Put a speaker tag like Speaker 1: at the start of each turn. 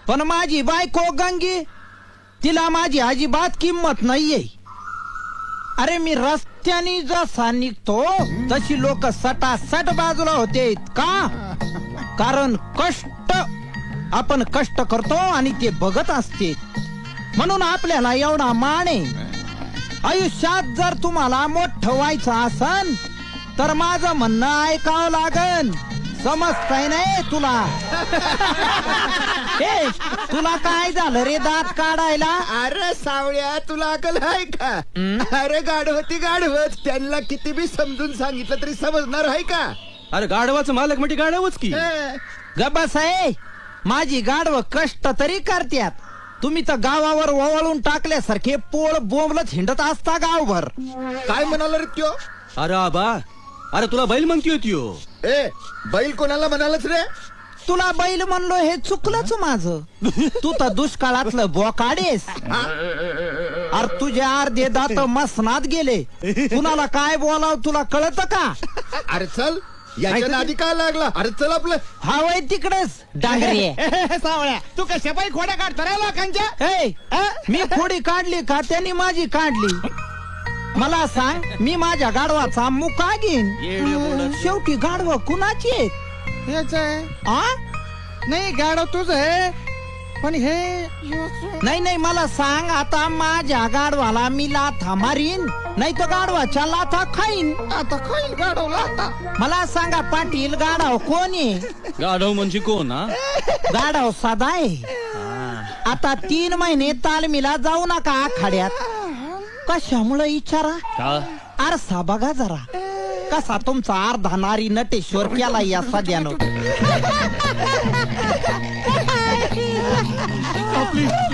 Speaker 1: पण माझी बायको गंगी, तिला माझी अजिबात किंमत नाहीये. अरे मी रस्त्याने जसा निघतो तशी लोक सटासट बाजूला होते. का? कारण कष्ट, आपण कष्ट करतो आणि ते बघत असते, म्हणून आपल्याला एवढा मान आहे. आयुष्यात जर तुम्हाला मोठं व्हायचं असन तर माझं म्हणणं ऐकावं लागन. समजतंय नाही तुला? ए, तुला काय झालं रे दात काढायला?
Speaker 2: अरे सावळ्या, तुला अकल आहे का? अरे गाढवती गाढवत, त्यांना किती बी समजून सांगितलं तरी समजणार आहे का?
Speaker 3: अरे गाढवाचं मालक म्हणजे गाढवच की.
Speaker 1: गबस आहे, माझी गाढव कष्ट तरी करत्यात. तुम्ही तर गावावर वळून टाकल्यासारखे पोळ बोंबलत हिंडत असता गावभर.
Speaker 2: काय म्हणाला रे त्यो?
Speaker 3: अरे आबा, अरे तुला बैल म्हणतोय त्यो.
Speaker 2: ए, बैल कोणाला म्हणालच रे?
Speaker 1: तुला बैल म्हणलो हे चुकलंच माझं. तू तर दुष्काळातलं बोकाडेस. अरे तुझे अर्धे दात मसनात गेले. कुणाला काय बोलाव तुला कळत का?
Speaker 2: अरे चल, याच्या नादी काय लागला? अरे चल आपलं.
Speaker 1: हा वय तिकडेच डांगरे.
Speaker 4: सावळ्या, तू कशा पायी खोड्या काढता रे लोकांच्या?
Speaker 1: मी खोडी काढली का त्यांनी माझी काढली? मला सांग, मी माझ्या गाढवाचा मुका घेईन. शेवटी गाढव कुणाची आहेत?
Speaker 4: हेच आहे.
Speaker 1: आ?
Speaker 4: नाही, गाडव तुझ आहे, पण हे
Speaker 1: नाही नाही, मला सांग, आता माझ्या गाढवाला मी लाथा मारीन, नाही तर गाढवाच्या लाथा खाईन.
Speaker 4: आता खाईल गाडवला आता.
Speaker 1: मला सांगा पाटील, गाढव कोण आहे?
Speaker 3: गाढव म्हणजे कोण? हा,
Speaker 1: गाढव साधा आहे. आता 3 महिने तालमीला जाऊ नका आखाड्यात. कशामुळे विचारा? आरसा बघा जरा, कसा तुमचा अर्धा नारी नटेश्वर केला या सध्यानं.